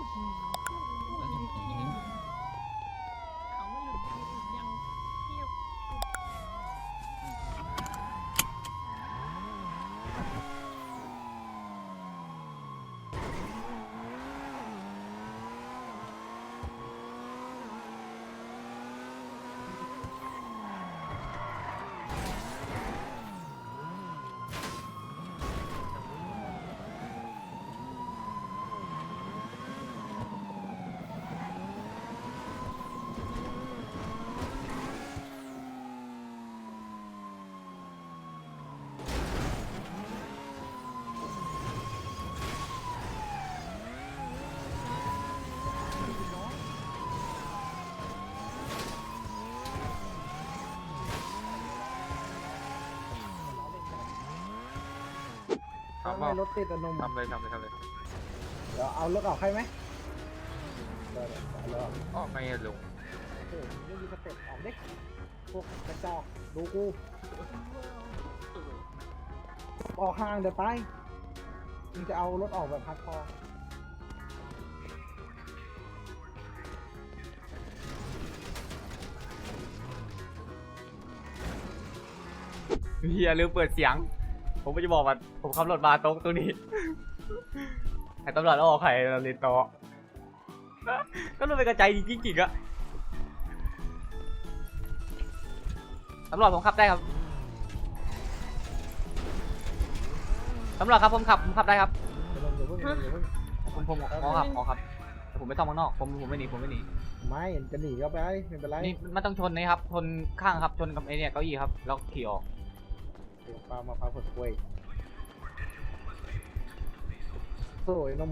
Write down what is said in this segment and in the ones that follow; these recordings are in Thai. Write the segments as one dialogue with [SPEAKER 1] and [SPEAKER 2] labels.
[SPEAKER 1] ทำรถติดอนมทำเลยเดี๋ยวเอารถออกให้ไหมเดี๋ยวออกไงลุงไม่มีสเต็ปออกเด็กพวกกระจอกดูกูออกห่างเดี๋ยวตายมึงจะเอารถออกแบบพัดคอ
[SPEAKER 2] เฮียลืมเปิดเสียงผมไม่จะบอกว่าผมขับรถมาตรงนี้ไอ้ตำรวจเอาออกใครลิโตก็รู้เป็นกระจายจริงๆอะตำรวจผมขับได้ครับตำรวจครับผมขับได้ครับผมขับแต่ผมไม่ต้องข้างนอกผมไม่หนี
[SPEAKER 1] ไม่จะหนีก็ไปไม่เป็นไร
[SPEAKER 2] นี่มันต้องชนนะครับชนข้างครับชนกับไอ้เนี่ยเก้าอี้ครับแล้วขี่ออก
[SPEAKER 1] ปลามาพร้าวผลกล้วยสวยนม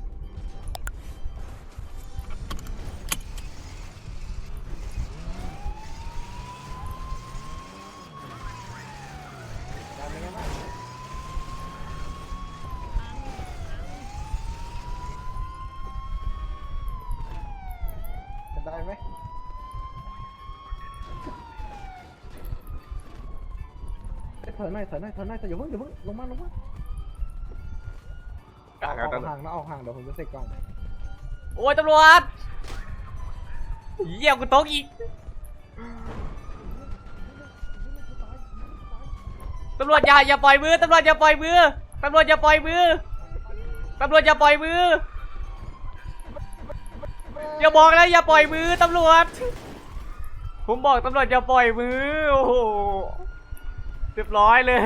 [SPEAKER 1] ได้ไหมถอยหน่อยแต่อย่าเพิ่งลงมาออกห่างเดี๋ยวผมจะเสกกล่อง
[SPEAKER 2] โอ้ยตำรวจเยี่ยมกูตกอีกตำรวจอย่าปล่อยมือตำรวจอย่าปล่อยมืออย่าบอกนะอย่าปล่อยมือตำรวจผมบอกตำรวจอย่าปล่อยมือโอ้โหเรียบร้อยเลย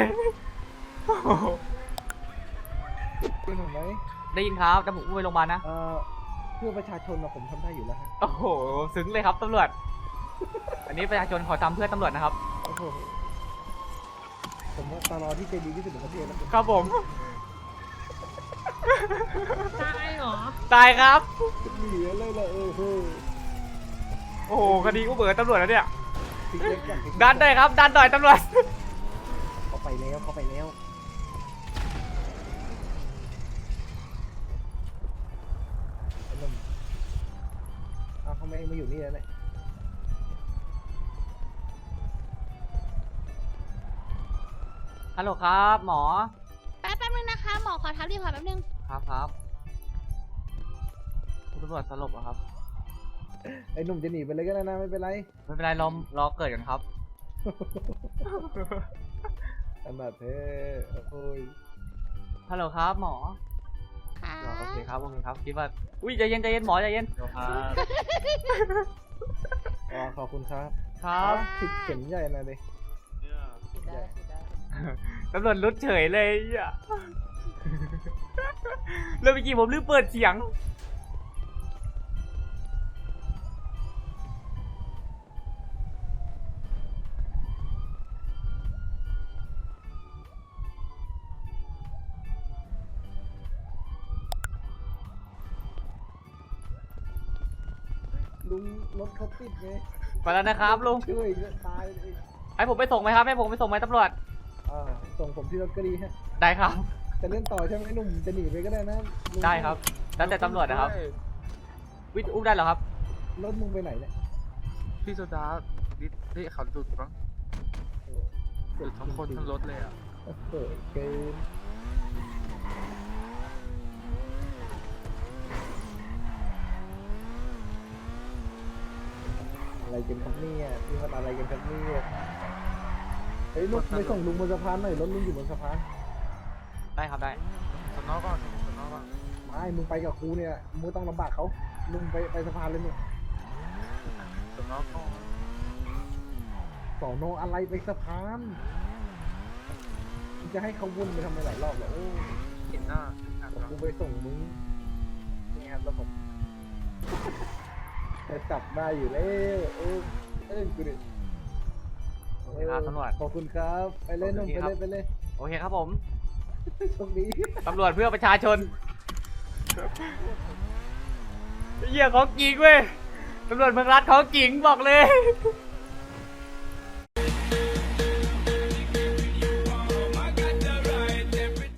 [SPEAKER 1] ได้ยินไหม
[SPEAKER 2] ได้ยินครับแต่ผมไปโรงพยาบาลนะ
[SPEAKER 1] เพื่อประชาชนผมทำได้อยู่แล้ว
[SPEAKER 2] โอ้โหซึ้งเลยครับตำรวจอันนี้ประชาชนขอทำเพื่อตำรวจนะครับ
[SPEAKER 1] ผมว่าตลอดที่ใจดีที่สุดในประเทศแล้ว
[SPEAKER 2] ครับผม
[SPEAKER 3] ตายเหรอ
[SPEAKER 2] ตายครับ
[SPEAKER 1] หนีเลยล่ะ
[SPEAKER 2] โอ้โหคดีกูเบิดตำรวจแล้วเนี่ยดันได้ครับดันหน่อยตำรวจ
[SPEAKER 1] เขาไปแล้วทำไมมาอยู่นี่แล้วเนี่ย
[SPEAKER 2] ฮัลโหลครับหมอ
[SPEAKER 3] แป๊บนึงนะคะหมอขอทับรีพอร์ตแป๊บนึง
[SPEAKER 2] ครับคุณตำรวจสลบเหรอครับ
[SPEAKER 1] ไอ้หนุ่มจะหนีไปเลยก็ได้นะไม่เป็นไร
[SPEAKER 2] รอเกิดกันครับ
[SPEAKER 1] อันดับเท่โอ้ย
[SPEAKER 2] ฮัลโหลครับหมอโอเคครับคิดว่าอุ้ยใจเย็นหมอใจเย็น
[SPEAKER 1] ขอบคุณครับติดเข็มใหญ่นะดิ
[SPEAKER 2] ตำรวจรุดเฉยเลยอ่ะแล้วเมื่อกี้ผมลืมเปิดเสียง
[SPEAKER 1] ลุงรถเขาติดไง
[SPEAKER 2] ไปแล้วนะครับลุง
[SPEAKER 1] ช่วยตาย
[SPEAKER 2] ให้ผมไปส่งไหมครับให้ผมไปส่งไหมตำรวจ
[SPEAKER 1] ส่งผมที่รถก็ดีฮะ
[SPEAKER 2] ได้ครับ
[SPEAKER 1] จะเล่นต่อใช่ไหมหนุ่มจะหนีไปก็ได้นะ
[SPEAKER 2] ได้ครับแล้วแต่ตำรวจนะครับวิทย์อุ้มได้เหรอครับ
[SPEAKER 1] รถมึงไปไหนเนี่ย
[SPEAKER 4] พี่โซดานี่เขาจุดมั้งจุดทั้งคนทั้งรถเลยอ่ะ
[SPEAKER 1] เกินกันครับเนี่ยนี่มันอะไรกันครับเนี่ยเฮ้ยรถไปส่งลุงบนสะพานหน่อยรถลุงอยู่บนสะพาน
[SPEAKER 2] ได้ครับได้
[SPEAKER 4] สนอก่อนสนอก่อน
[SPEAKER 1] ไม่มึงไปกับครูเนี่ยมึงต้องลำบากเขาลุงไปสะพานเลยหนู
[SPEAKER 4] สนอก่อน
[SPEAKER 1] สอนออะไรไปสะพานมึงจะให้เขาวุ่นไปทำไมหลายรอบเหรอโอ้
[SPEAKER 4] เห็นหน้า
[SPEAKER 1] กูไปส่งมึงนี่ครับแล้วผมจะจับได้อยู่แล้วกูดิ
[SPEAKER 2] โอเคครับตำรวจ
[SPEAKER 1] ขอบคุณครับไปเล่นนุ่มไปเล่น
[SPEAKER 2] โอเคครับผม
[SPEAKER 1] โชคดี
[SPEAKER 2] ตำรวจเพื่อประชาชนเหี้ยของจริงเว้ยตำรวจเมืองรัฐของจริงบอกเลย